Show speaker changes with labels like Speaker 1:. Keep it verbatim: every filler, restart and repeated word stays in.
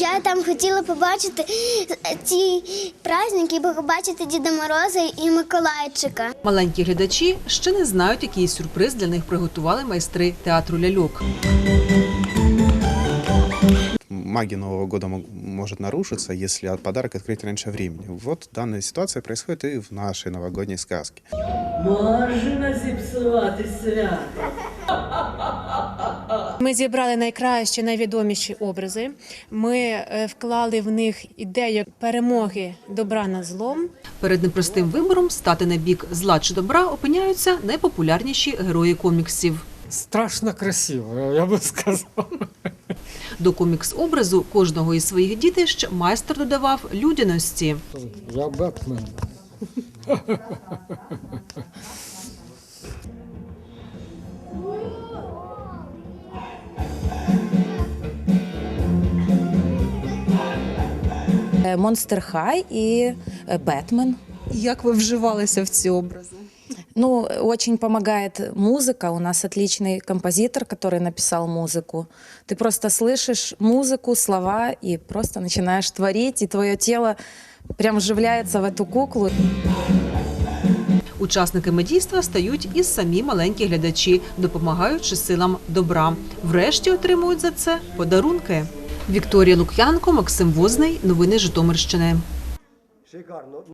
Speaker 1: Я там хотіла побачити ці праздники, побачити Діда Мороза і Миколайчика.
Speaker 2: Маленькі глядачі ще не знають, який сюрприз для них приготували майстри театру ляльок.
Speaker 3: Магия Нового года может нарушиться, если подарок открыть раньше времени. Вот данная ситуация происходит и в нашей новогодней сказке.
Speaker 4: Можна зіпсувати свято.
Speaker 5: Ми зібрали найкращі, найвідоміші образи. Ми вклали в них ідею перемоги добра над злом.
Speaker 2: Перед непростим вибором стати на бік зла чи добра опиняються найпопулярніші герої коміксів.
Speaker 6: Страшно красиво, я би сказав.
Speaker 2: До комікс-образу кожного із своїх дітищ майстер додавав людяності.
Speaker 6: Я Бетмен.
Speaker 7: Монстер Хай и Бэтмен.
Speaker 8: Як ви вживалися в ці образи?
Speaker 7: Ну, очень помогает музыка. У нас отличный композитор, который написал музыку. Ты просто слышишь музыку, слова и просто начинаешь творить, и твое тело прям вживляется в эту куклу.
Speaker 2: Учасниками дійства стають і самі маленькі глядачі, допомагаючи силам добра. Врешті отримують за це подарунки. Вікторія Лук'янко, Максим Возний. Новини Житомирщини.